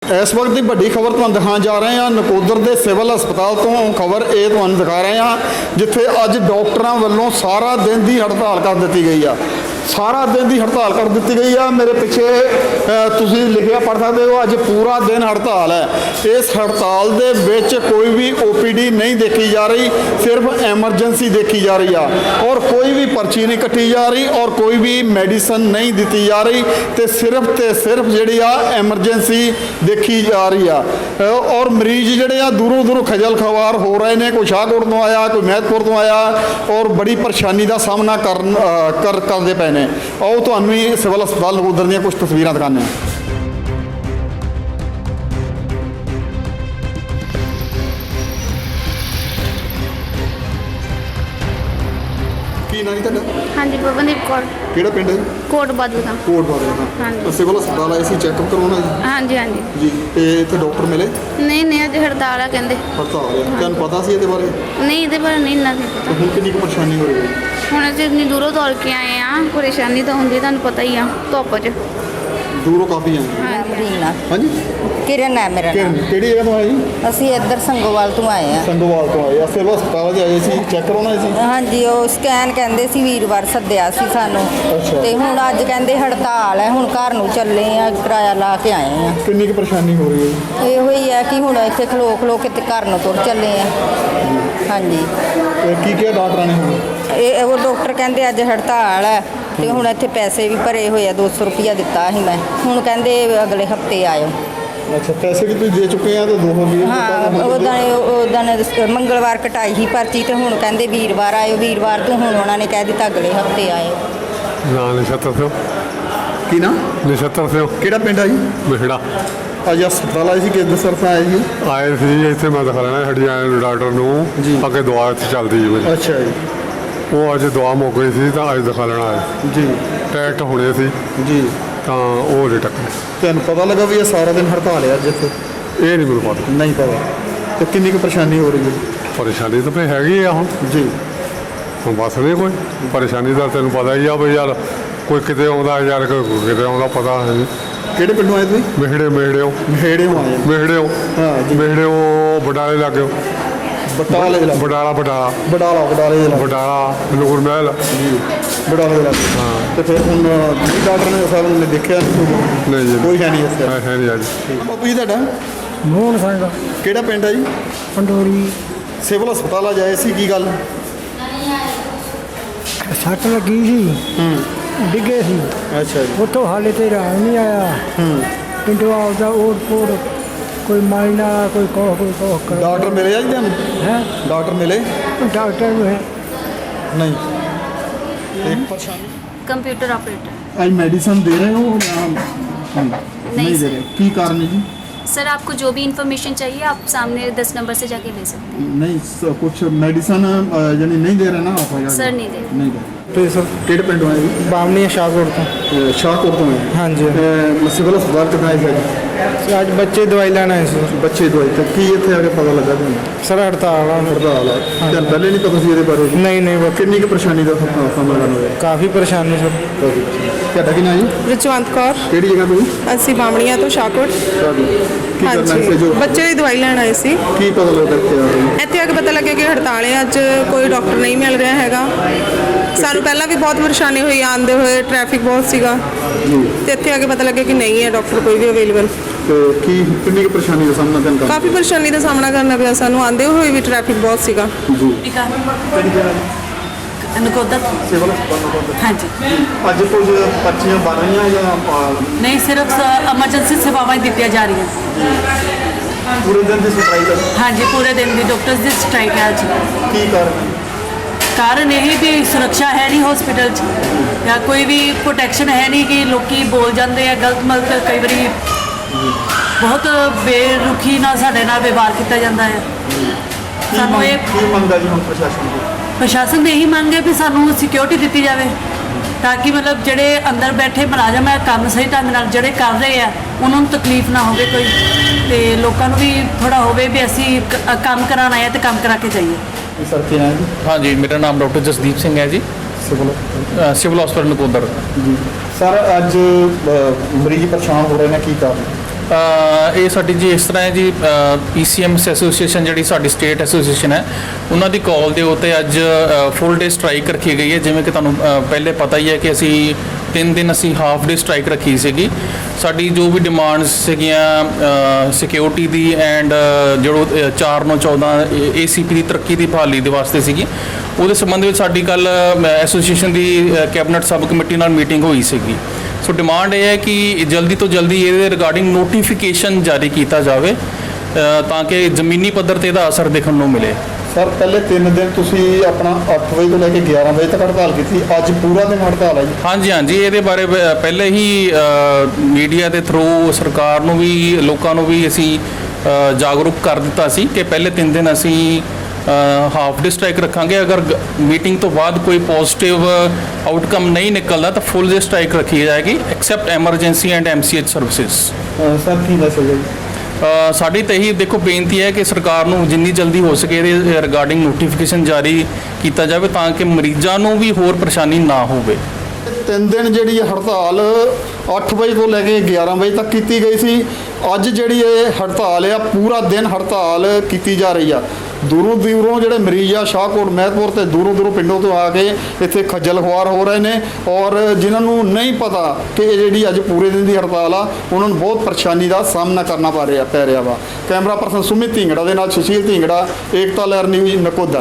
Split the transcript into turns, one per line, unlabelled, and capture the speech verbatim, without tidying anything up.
इस वक्त की बड़ी खबर तुहानूं दिखाने जा रहे हैं नकोदर के सिविल हस्पताल तो खबर ये तुहानूं दिखा रहे हैं जिथे अज डॉक्टरों वालों सारा दिन की हड़ताल कर दी गई है। सारा दिन की हड़ताल कर दी गई है। मेरे पिछे तुसीं लिखिया पढ़ सकते हो अज पूरा दिन हड़ताल है। इस हड़ताल दे विच कोई भी ओ पी डी नहीं देखी जा रही, सिर्फ एमरजेंसी देखी जा रही है और कोई भी पर्ची नहीं कट्टी जा रही और कोई भी मेडिसिन नहीं दी जा रही तो सिर्फ तो सिर्फ जी आ एमरजेंसी देखी जा रही है। और मरीज जोड़े आ दूरों दूरों खजल खवार हो रहे हैं। कोई शाहकोट तो आया, कोई महतपुर तो आया और बड़ी परेशानी का सामना कर कर करते पे ने। आओ तो भी सिविल हस्पताल नकोदर दी कुछ तस्वीर दिखाने। की नाम है?
हाँ जी पवनदीप कौर।
केड़ा पिंड है?
कोट बादल का।
कोट बादल का।
हाँ जी।
सिविल हस्पताल आए सी चैकअप करवाना जी?
हाँ जी हाँ जी।
जी ते इत्थे डॉक्टर मिले?
नहीं नहीं अज हड़ताल है कहते।
हड़ताल है, तुहानूं पता सी इहदे बारे?
नहीं ये बारे नहीं इन्ना नहीं पता।
हुण कितनी परेशानी हो रही है?
ਹੁਣ ਅਸੀਂ ਇੰਨੀ ਦੂਰੋਂ ਦੌੜ ਕੇ ਆਏ ਆ, ਪਰੇਸ਼ਾਨੀ ਤਾਂ ਹੁੰਦੀ ਤੁਹਾਨੂੰ ਪਤਾ ਹੀ ਆ ਧੁੱਪ 'ਚ।
दूरों काफ़ी हैं?
रीना
हाँ जी।
किरण है मेरा नाम।
किहड़ी जगह तो आए जी?
ਅਸੀਂ ਇੱਧਰ ਸੰਗੋਵਾਲ ਤੋਂ ਆਏ ਆ।
संगोवाल तो आए सिविल हस्पताल आए सी चैक करवाना सी?
ਹਾਂਜੀ ਉਹ ਸਕੈਨ ਕਹਿੰਦੇ ਸੀ ਵੀਰਵਾਰ ਸੱਦਿਆ ਸੀ ਸਾਨੂੰ
ਅੱਛਾ।
ਤੇ ਹੁਣ ਅੱਜ ਕਹਿੰਦੇ ਹੜਤਾਲ ਹੈ, ਹੁਣ ਘਰ ਨੂੰ ਚੱਲੇ ਆ, ਕਿਰਾਇਆ ਲਾ ਕੇ ਆਏ ਆ।
कितनी की परेशानी हो रही है?
ਇਹੋ ਹੀ ਹੈ ਕਿ ਹੁਣ ਇੱਥੇ ਖਲੋ ਖਲੋ ਕੇ ਤੇ ਘਰ ਨੂੰ ਤੁਰ ਚੱਲੇ ਆ। ਹਾਂਜੀ
ਤੇ ਕੀ ਕਿਹਾ ਡਾਕਟਰਾਂ ਨੇ ਹੁਣ?
ਇਹ ਉਹ ਡਾਕਟਰ ਕਹਿੰਦੇ ਅੱਜ ਹੜਤਾਲ ਹੈ ਤੇ ਹੁਣ ਇੱਥੇ ਪੈਸੇ ਵੀ ਭਰੇ ਹੋਏ ਆ, ਦੋ ਸੌ ਰੁਪਇਆ ਦਿੱਤਾ ਸੀ ਮੈਂ, ਹੁਣ ਕਹਿੰਦੇ ਅਗਲੇ ਹਫਤੇ ਆਇਓ।
अच्छा पैसे भी तुम दे चुके हैं तो दो हो गए?
ਹਾਂ ਉਦਾਂ ਉਦਾਂ ਮੰਗਲਵਾਰ ਕਟਾਈ ਸੀ ਪਰਚੀ ਤੇ ਹੁਣ ਕਹਿੰਦੇ ਵੀਰਵਾਰ ਆਇਓ, ਵੀਰਵਾਰ ਤੋਂ ਹੁਣ ਉਹਨਾਂ ਨੇ ਕਹਿ ਦਿੱਤਾ ਅਗਲੇ ਹਫਤੇ ਆਇਓ।
ਨਾ ਨਛੱਤਰ ਸਿੰਘ।
की ना
ਨਛੱਤਰ ਸਿੰਘ
केड़ा पिंड है जी?
ਮਿਹੜਾ
अज हस्पताल आए सी किस दस तरफ आए जी?
ਆਏ ਸੀ ਇੱਥੇ ਮੈਂ ਦਿਖਾ ਲੈਣਾ ਸਾਡੀ ਆਏ ਡਾਕਟਰ
ਜੀ।
ਨੂੰ ਅੱਗੇ ਦਵਾ ਇੱਥੇ ਚੱਲਦੀ ਜੀ ਮੇਰੀ।
अच्छा जी
ਉਹ ਅੱਜ ਦਵਾ ਮੁੱਕ ਗਈ ਸੀ ਤਾਂ ਅੱਜ ਦਿਖਾ ਲੈਣਾ ਆਏ
जी
ਟੈਸਟ ਹੋਣੇ ਸੀ
जी।
ਤਾਂ ਉਹ ਨਹੀਂ ਟੱਕਰੇ।
तुहानूं पता लगा भी ये सारा दिन हड़ताल है अज इत्थे?
ਇਹ ਨਹੀਂ ਮੈਨੂੰ ਪਤਾ।
नहीं पता। तो कितनी की परेशानी हो रही है?
ਪਰੇਸ਼ਾਨੀ ਤਾਂ ਫੇ ਹੈਗੀ ਆ ਹੁਣ
जी
ਹੁਣ ਬਸ ਨਹੀਂ ਕੋਈ ਪਰੇਸ਼ਾਨੀ ਦਾ ਤੈਨੂੰ ਪਤਾ ਹੀ ਆ ਬਈ ਯਾਰ ਕੋਈ ਕਿਤੇ ਆਉਂਦਾ ਯਾਰ ਕੋਈ ਕਿਤੇ ਆਉਂਦਾ ਪਤਾ ਹੈ ਨਹੀਂ।
केड़े पिंडों आए तुसीं?
ਮਿਹੜੇ ਮਿਹੜਿਓ
मेहड़े आए
ਮਿਹੜਿਓ
हाँ जी।
ਮਿਹੜਿਓ ਬਡਾਲੇ ਲੱਗਿਓ
बटाले जिला
ਬਡਾਲਾ ਬਡਾਲਾ
बडाला बडाले जिला
ਬਡਾਲਾ ਨੂਰ ਮਹਿਲ
जी बडाले जिला।
हाँ।
तो फिर हुण जी डॉक्टर ने साहब ने देखा
ਨਹੀਂ ਜੀ
कोई है नहीं इस
ਹੈ ਹੈ ਨਹੀਂ ਅੱਜ
ਬਾਪੂ ਜੀ ਤੁਹਾਡਾ
ਮੋਹਨ ਸਿੰਘ
ਕਿਹੜਾ ਪਿੰਡ ਹੈ ਜੀ?
ਪੰਡੋਰੀ।
ਸਿਵਲ ਹਸਪਤਾਲ ਆ ਜਾਏ ਸੀ ਕੀ ਗੱਲ?
ਸੱਟ ਲੱਗੀ ਸੀ, ਡਿੱਗੇ ਸੀ,
ਅੱਛਾ ਜੀ।
ਉੱਥੋਂ ਹਾਲੇ ਤੇ ਰਾਹ ਨਹੀਂ ਆਇਆ।
ਹੂੰ
ਪਿੰਡੋਂ ਆਪਦਾ ਓੜ ਪੋੜ ਕੋਈ ਮਾਇਨਾ ਕੋਈ ਕੋਹ ਕੋਈ ਕੋਹ ਕਰ
ਡਾਕਟਰ ਮਿਲੇ ਆ ਜੀ ਤੁਹਾਨੂੰ?
ਹੈ
ਡਾਕਟਰ ਮਿਲੇ?
ਡਾਕਟਰ ਨੂੰ ਹੈ
ਨਹੀਂ। ਇੱਕ ਪਰੇਸ਼ਾਨੀ
कंप्यूटर ऑपरेटर।
ਅੱਜ ਮੈਡੀਸਨ ਦੇ ਰਹੇ ਹੋ ਜਾਂ ਨਹੀਂ ਦੇ ਰਹੇ? ਕੀ ਕਾਰਨ ਹੈ ਜੀ?
सर आपको जो भी इंफॉर्मेशन चाहिए आप सामने दस नंबर से जाके ले सकते हैं।
नहीं स- कुछ मेडिसिन यानी नहीं दे रहे ना आप?
सर नहीं दे रहे।
नहीं दे
ਤੇ ਸਰ
ਕਿਹੜੇ ਪਿੰਡੋਂ ਆਏ ਜੀ?
ਬਾਮਣੀ ਸ਼ਾਹਕੋਟ ਤੋਂ।
ਅਹ ਸ਼ਾਹਕੋਟ ਤੋਂ ਆਏ?
ਹਾਂਜੀ।
ਅਹ ਸਿਵਲ ਹਸਪਤਾਲ ਕਿੱਥੇ ਆਏ ਸੀ?
ਅੱਜ ਬੱਚੇ ਦਵਾਈ ਲੈਣ ਆਏ ਸੀ।
ਬੱਚੇ ਦਵਾਈ ਤੇ ਕੀ ਇੱਥੇ ਆ ਕੇ ਪਤਾ ਲੱਗਾ ਤੁਹਾਨੂੰ?
ਸਰ ਹੜਤਾਲ ਆ।
ਹੜਤਾਲ ਹੈ ਤੁਹਾਨੂੰ ਪਹਿਲੇ ਨਹੀਂ ਪਤਾ ਸੀ ਇਹਦੇ ਬਾਰੇ?
ਨਹੀਂ ਨਹੀਂ ਬਸ
ਕਿੰਨੀ ਕੁ ਪਰੇਸ਼ਾਨੀ ਦਾ ਸਾਹਮਣਾ ਕਰਨਾ ਹੋਇਆ?
ਕਾਫੀ ਪਰੇਸ਼ਾਨੀ ਸਰ।
ਤੁਹਾਡਾ ਕੀ ਨਾਮ ਜੀ?
ਰਜਵੰਤ ਕੌਰ।
ਕਿਹੜੀ ਜਗ੍ਹਾ ਤੋਂ ਜੀ?
ਅਸੀਂ ਬਾਮਣੀਆਂ ਤੋਂ ਸ਼ਾਹਕੋਟ।
ਕੀ ਕਰਨਾ ਸੀ
ਹਾਂਜੀ
ਜੋ
ਬੱਚੇ ਦੀ ਦਵਾਈ ਲੈਣ ਆਏ ਸੀ।
ਕੀ ਪਤਾ ਲੱਗਾ ਕਿ ਆ ਰਹੀ?
ਇੱਥੇ ਆ ਕੇ ਪਤਾ ਲੱਗਿਆ ਕਿ ਹੜਤਾਲ ਹੈ, ਅੱਜ ਕੋਈ ਡਾਕਟਰ ਨਹੀਂ ਮਿਲ ਰਿਹਾ ਹੈਗਾ। ਸਾਨੂੰ ਪਹਿਲਾਂ ਵੀ ਬਹੁਤ ਪਰੇਸ਼ਾਨੀ ਹੋਈ ਆਉਂਦੇ ਹੋਏ, ਟ੍ਰੈਫਿਕ ਬਹੁਤ ਸੀਗਾ
ਜੀ
ਤੇ ਇੱਥੇ ਆ ਕੇ ਪਤਾ ਲੱਗਿਆ ਕਿ ਨਹੀਂ ਹੈ ਡਾਕਟਰ ਕੋਈ ਵੀ ਅਵੇਲੇਬਲ।
ਤੇ ਕੀ ਕਿੰਨੀ ਕੁ ਪਰੇਸ਼ਾਨੀ ਦਾ ਸਾਹਮਣਾ ਤੁਹਾਨੂੰ ਕਰਨਾ?
ਕਾਫੀ ਪਰੇਸ਼ਾਨੀ ਦਾ ਸਾਹਮਣਾ ਕਰਨਾ ਪਿਆ ਸਾਨੂੰ, ਆਉਂਦੇ ਹੋਏ ਵੀ ਟ੍ਰੈਫਿਕ ਬਹੁਤ ਸੀਗਾ।
ਜੀ ਕਿਹੜੀ ਜਗ੍ਹਾ ਜੀ?
ਨਕੋਦਰ।
ਸਿਵਲ ਹਸਪਤਾਲ ਨਕੋਦਰ।
ਹਾਂਜੀ
ਅੱਜ ਕੁਝ ਪਰਚੀਆਂ ਬਣ ਰਹੀਆਂ ਜਾਂ ਅਹ,
ਨਹੀਂ ਸਿਰਫ ਐਮਰਜੈਂਸੀ ਸੇਵਾਵਾਂ ਹੀ ਦਿੱਤੀਆਂ ਜਾ ਰਹੀਆਂ।
ਪੂਰੇ ਦਿਨ ਦੀ ਸਟ੍ਰਾਈਕ ਹੈ?
ਹਾਂਜੀ ਪੂਰੇ ਦਿਨ ਦੀ ਡਾਕਟਰਸ ਦੀ ਸਟ੍ਰਾਈਕ ਹੈ ਅੱਜ।
ਕੀ ਕਾਰਨ ਹੈ?
ਕਾਰਨ ਇਹ ਵੀ ਸੁਰੱਖਿਆ ਹੈ ਨਹੀਂ ਹਸਪੀਟਲ 'ਚ ਜਾਂ ਕੋਈ ਵੀ ਪ੍ਰੋਟੈਕਸ਼ਨ ਹੈ ਨਹੀਂ ਕਿ ਲੋਕੀ ਬੋਲ ਜਾਂਦੇ ਆ ਗਲਤ ਮਲਤ, ਕਈ ਵਾਰੀ ਬਹੁਤ ਬੇਰੁਖੀ ਨਾਲ ਸਾਡੇ ਨਾਲ ਵਿਵਹਾਰ ਕੀਤਾ ਜਾਂਦਾ ਹੈ।
ਕੀ
ਸਾਨੂੰ
ਮੰਗ-
ਇਹ
ਕੀ ਮੰਗਾ ਜੀ ਹੁਣ ਪ੍ਰਸ਼ਾਸਨ ਦੀ?
ਪ੍ਰਸ਼ਾਸਨ ਦੀ ਇਹੀ ਮੰਗ ਹੈ ਵੀ ਸਾਨੂੰ ਸਿਕਿਉਰਿਟੀ ਦਿੱਤੀ ਜਾਵੇ ਤਾਂ ਕਿ ਮਤਲਬ ਜਿਹੜੇ ਅੰਦਰ ਬੈਠੇ ਮੁਲਾਜ਼ਮ ਹੈ ਕੰਮ ਸਹੀ ਢੰਗ ਨਾਲ ਜਿਹੜੇ ਕਰ ਰਹੇ ਆ ਉਹਨਾਂ ਨੂੰ ਤਕਲੀਫ ਨਾ ਹੋਵੇ ਕੋਈ, ਤੇ ਲੋਕਾਂ ਨੂੰ ਵੀ ਥੋੜਾ ਹੋਵੇ ਵੀ ਅਸੀਂ ਕ- ਕੰਮ ਕਰਾਉਣ ਆਏ ਹਾਂ ਤੇ ਕੰਮ ਕਰਾ ਕੇ ਜਾਈਏ।
ਸਰ ਕੀ ਨਾਮ ਹੈ ਜੀ?
हाँ जी मेरा नाम डॉक्टर जसदीप सिंह है ji,
civil
civil hospital Nakodar.
ਜੀ ਸਰ ਅੱਜ ਅਹ, ਮਰੀਜ਼ ਪਰੇਸ਼ਾਨ ਹੋ ਰਹੇ ਨੇ ਕੀ ਕਾਰਨ?
ਅ, ਇਹ ਸਾਡੀ ਜੀ ਇਸ ਤਰ੍ਹਾਂ ਹੈ ਜੀ, ਪੀਸੀਐਮਸ ਐਸੋਸੀਏਸ਼ਨ ਜਿਹੜੀ ਸਾਡੀ ਸਟੇਟ ਐਸੋਸੀਏਸ਼ਨ ਹੈ, ਉਹਨਾਂ ਦੀ ਕਾਲ ਦੇ ਉੱਤੇ ਅੱਜ ਫੁੱਲ ਡੇ ਸਟ੍ਰਾਈਕ ਰੱਖੀ ਗਈ ਹੈ। ਜਿਵੇਂ ਕਿ ਤੁਹਾਨੂੰ ਅ, ਪਹਿਲੇ ਪਤਾ ਹੀ ਹੈ ਕਿ ਅਸੀਂ ਤਿੰਨ ਦਿਨ ਅਸੀਂ ਹਾਫ ਡੇ ਸਟ੍ਰਾਈਕ ਰੱਖੀ ਸੀਗੀ। ਸਾਡੀ ਜੋ ਵੀ ਡਿਮਾਂਡਸ ਸੀਗੀਆਂ ਸਿਕਿਉਰਿਟੀ ਦੀ ਐਂਡ ਜਿਹੜੋ ਚਾਰ ਨੌ ਚੌਦਾਂ ਏਸੀਪੀ ਦੀ ਤਰੱਕੀ ਦੀ ਬਹਾਲੀ ਦੇ ਵਾਸਤੇ ਸੀਗੀ, ਉਹਦੇ ਸੰਬੰਧ ਵਿੱਚ ਸਾਡੀ ਕੱਲ ਐਸੋਸੀਏਸ਼ਨ ਦੀ ਕੈਬਨਿਟ ਸਬ ਕਮੇਟੀ ਨਾਲ ਮੀਟਿੰਗ ਹੋਈ ਸੀਗੀ। ਸੋ ਡਿਮਾਂਡ ਇਹ ਹੈ ਕਿ ਜਲਦੀ ਤੋਂ ਜਲਦੀ ਇਹਦੇ ਰਿਗਾਰਡਿੰਗ ਨੋਟੀਫਿਕੇਸ਼ਨ ਜਾਰੀ ਕੀਤਾ ਜਾਵੇ ਅ, ਤਾਂ ਕਿ ਜ਼ਮੀਨੀ ਪੱਧਰ ਤੇ ਇਹਦਾ ਅਸਰ ਦੇਖਣ ਨੂੰ ਮਿਲੇ।
ਸਰ ਪਹਿਲੇ ਤਿੰਨ ਦਿਨ ਤੁਸੀਂ ਆਪਣਾ ਅੱਠ ਵਜੇ ਤੋਂ ਲੈ ਕੇ ਗਿਆਰਾਂ ਵਜੇ ਤੱਕ ਹੜਤਾਲ ਕੀਤੀ, ਅੱਜ ਪੂਰਾ ਦਿਨ ਹੜਤਾਲ ਹੈ ਜੀ?
ਹਾਂਜੀ ਹਾਂਜੀ, ਇਹਦੇ ਬਾਰੇ ਬ- ਪਹਿਲੇ ਹੀ ਮੀਡੀਆ ਦੇ ਥਰੂ ਸਰਕਾਰ ਨੂੰ ਵੀ ਲੋਕਾਂ ਨੂੰ ਵੀ ਅਸੀਂ ਅ, ਜਾਗਰੂਕ ਕਰ ਦਿੱਤਾ ਸੀ ਕਿ ਪਹਿਲੇ ਤਿੰਨ ਦਿਨ ਅਸੀਂ ਹਾਫ ਡੇ ਸਟ੍ਰਾਈਕ ਰੱਖਾਂਗੇ। ਅਗਰ ਮੀਟਿੰਗ ਤੋਂ ਬਾਅਦ ਕੋਈ ਪੋਜ਼ਿਟਿਵ ਆਊਟਕਮ ਨਹੀਂ ਨਿਕਲਦਾ ਤਾਂ ਫੁੱਲ ਡੇ ਸਟ੍ਰਾਈਕ ਰੱਖੀ ਜਾਏਗੀ except emergency and MCH services.
Sir ਕੀ ਮੈਸੇਜ ਹੈ ਜੀ?
ਅ, ਸਾਡੀ ਤਾਂ ਇਹੀ ਦੇਖੋ ਬੇਨਤੀ ਹੈ ਕਿ ਸਰਕਾਰ ਨੂੰ ਜਿੰਨੀ ਜਲਦੀ ਹੋ ਸਕੇ ਇਹਦੇ ਰਿਗਾਰਡਿੰਗ ਨੋਟੀਫਿਕੇਸ਼ਨ ਜਾਰੀ ਕੀਤਾ ਜਾਵੇ ਤਾਂ ਕਿ ਮਰੀਜ਼ਾਂ ਨੂੰ ਵੀ ਹੋਰ ਪਰੇਸ਼ਾਨੀ ਨਾ ਹੋਵੇ।
ਤਿੰਨ ਦਿਨ ਜਿਹੜੀ ਇਹ ਹੜਤਾਲ ਅੱਠ ਵਜੇ ਤੋਂ ਲੈ ਕੇ ਗਿਆਰਾਂ ਵਜੇ ਤੱਕ ਕੀਤੀ ਗਈ ਸੀ। ਅੱਜ ਜਿਹੜੀ ਇਹ ਹੜਤਾਲ ਆ ਪੂਰਾ ਦਿਨ ਹੜਤਾਲ ਕੀਤੀ ਜਾ ਰਹੀ ਆ। ਦੂਰੋਂ ਦੂਰੋਂ ਜਿਹੜੇ ਮਰੀਜ਼ ਆ ਸ਼ਾਹਕੋਟ ਮਹਿਤਪੁਰ ਤੇ ਦੂਰੋਂ ਦੂਰੋਂ ਪਿੰਡੋਂ ਤੋਂ ਆ ਕੇ ਇੱਥੇ ਖੱਜਲ ਖੁਆਰ ਹੋ ਰਹੇ ਨੇ, ਔਰ ਜਿਨ੍ਹਾਂ ਨੂੰ ਨਹੀਂ ਪਤਾ ਕਿ ਇਹ ਜਿਹੜੀ ਅੱਜ ਪੂਰੇ ਦਿਨ ਦੀ ਹੜਤਾਲ ਆ ਉਹਨਾਂ ਨੂੰ ਬਹੁਤ ਪਰੇਸ਼ਾਨੀ ਦਾ ਸਾਹਮਣਾ ਕਰਨਾ ਪਾ ਰਿਹਾ ਪੈ ਰਿਹਾ ਵਾ। ਕੈਮਰਾ ਪਰਸਨ ਸੁਮਿਤ ਢਿੰਗੜਾ ਦੇ ਨਾਲ ਸੁਸ਼ੀਲ ਢਿੰਗੜਾ, ਏਕਤਾ ਲਹਿਰ ਨਿਊਜ਼ ਨਕੋਦਰ।